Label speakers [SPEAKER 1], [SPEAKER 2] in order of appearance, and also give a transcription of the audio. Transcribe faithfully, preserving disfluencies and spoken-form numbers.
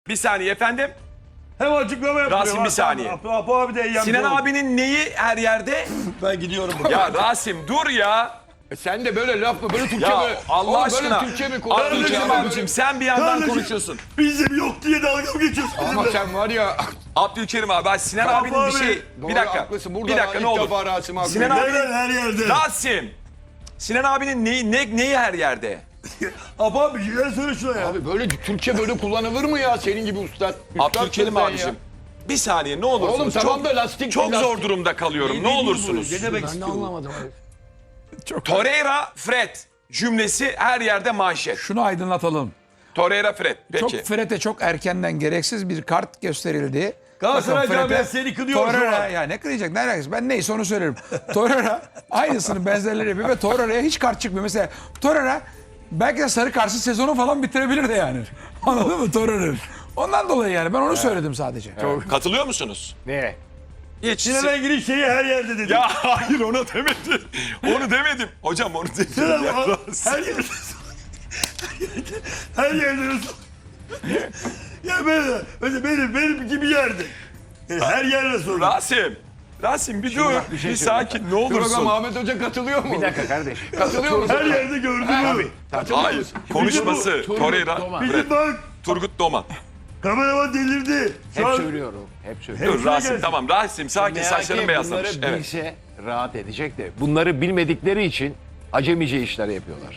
[SPEAKER 1] Bir saniye efendim.
[SPEAKER 2] Hem açıklama yapıyor.
[SPEAKER 1] Rasim, bir saniye.
[SPEAKER 2] Apo, Apo abi de eyyam.
[SPEAKER 1] Sinan abinin neyi her yerde?
[SPEAKER 2] Ben gidiyorum.
[SPEAKER 1] Ya Rasim dur ya.
[SPEAKER 3] E sen de böyle laf mı? Böyle Türkçe
[SPEAKER 1] Ya
[SPEAKER 3] mi?
[SPEAKER 1] Allah
[SPEAKER 3] Oğlum
[SPEAKER 1] aşkına.
[SPEAKER 3] Böyle Türkçe mi
[SPEAKER 1] Abdülkerim
[SPEAKER 3] konuşuyorsun?
[SPEAKER 1] abicim sen bir yandan
[SPEAKER 2] Kardeşim,
[SPEAKER 1] konuşuyorsun.
[SPEAKER 2] Bizim yok diye dalga mı geçiyorsun?
[SPEAKER 3] Ama
[SPEAKER 2] bizimle?
[SPEAKER 3] sen var ya.
[SPEAKER 1] Abdülkerim abi ben Sinan
[SPEAKER 2] Apo
[SPEAKER 1] abinin bir
[SPEAKER 2] abi,
[SPEAKER 1] şey.
[SPEAKER 3] Doğru,
[SPEAKER 1] Bir dakika.
[SPEAKER 3] haklısın. Burada
[SPEAKER 1] Bir dakika
[SPEAKER 3] ilk
[SPEAKER 1] ne olur.
[SPEAKER 3] defa Rasim abi.
[SPEAKER 1] Sinan abi-
[SPEAKER 2] Nereden her yerde?
[SPEAKER 1] Rasim. Sinan abinin neyi, ne, neyi her yerde?
[SPEAKER 2] Apo abi gel söyle şuna ya.
[SPEAKER 3] Abi böyle Türkçe böyle kullanılır mı ya senin gibi ustad?
[SPEAKER 1] Abdülkerim
[SPEAKER 3] Üstadsın
[SPEAKER 1] abicim.
[SPEAKER 3] ya.
[SPEAKER 1] Bir saniye ne olursunuz.
[SPEAKER 3] Oğlum tamam
[SPEAKER 1] çok,
[SPEAKER 3] da lastik.
[SPEAKER 1] çok
[SPEAKER 3] lastik.
[SPEAKER 1] zor durumda kalıyorum. Ne,
[SPEAKER 2] Ne diyor bu?
[SPEAKER 1] olursunuz.
[SPEAKER 2] Ne demek
[SPEAKER 3] Ben de
[SPEAKER 2] istiyor?
[SPEAKER 3] anlamadım abi.
[SPEAKER 1] Torreira, Fred cümlesi her yerde manşet.
[SPEAKER 4] Şunu aydınlatalım.
[SPEAKER 1] Torreira, Fred. Peki.
[SPEAKER 4] Çok Fred'e çok erkenden gereksiz bir kart gösterildi.
[SPEAKER 2] Galatasaray
[SPEAKER 4] Bakın Fred'e-
[SPEAKER 2] camiası seni kınıyor şu
[SPEAKER 4] Torreira
[SPEAKER 2] an.
[SPEAKER 4] ya ne kınayacak ne alakası? Ben neyse onu söylerim. Torreira aynısını benzerleri yapıyor ve Torreira'ya hiç kart çıkmıyor. Mesela Torreira belki de sarı karşı sezonu falan bitirebilir de yani. Anladın mı Torreira? Ondan dolayı yani ben onu söyledim sadece.
[SPEAKER 1] Katılıyor musunuz?
[SPEAKER 3] Ne?
[SPEAKER 1] Hiç.
[SPEAKER 2] Sinan Engin'in şeyi her yerde dedi.
[SPEAKER 1] Ya hayır onu demedim. Onu demedim. Hocam onu demedim.
[SPEAKER 2] Sinan
[SPEAKER 1] Ya,
[SPEAKER 2] abi,
[SPEAKER 1] Rasim.
[SPEAKER 2] her yerde. Her yerde. Ya böyle, mesela benim, benim gibi yerde. Yani her yerde sorun.
[SPEAKER 1] Rasim. Rasim bir dur. Bir,
[SPEAKER 3] şey
[SPEAKER 1] sakin ne
[SPEAKER 3] Dur bakalım
[SPEAKER 1] olursun.
[SPEAKER 3] Ahmet Hoca katılıyor mu? Bir dakika kardeş. Katılıyor musun?
[SPEAKER 2] Her yerde gördüm abi.
[SPEAKER 1] Hayır. Konuşması. Torreira, Fred.
[SPEAKER 2] Bizim bak
[SPEAKER 1] Turgut Doman.
[SPEAKER 2] kameraman delirdi. Şu
[SPEAKER 5] Hep
[SPEAKER 2] an
[SPEAKER 5] söylüyorum. Hep söylüyorum.
[SPEAKER 1] Dur
[SPEAKER 2] hepsine
[SPEAKER 1] Rasim
[SPEAKER 2] gelsin.
[SPEAKER 1] tamam. Rasim sakin saçların
[SPEAKER 5] Bunları
[SPEAKER 1] beyazlamış. Evet.
[SPEAKER 5] bilse rahat edecek de bunları bilmedikleri için acemice işler yapıyorlar.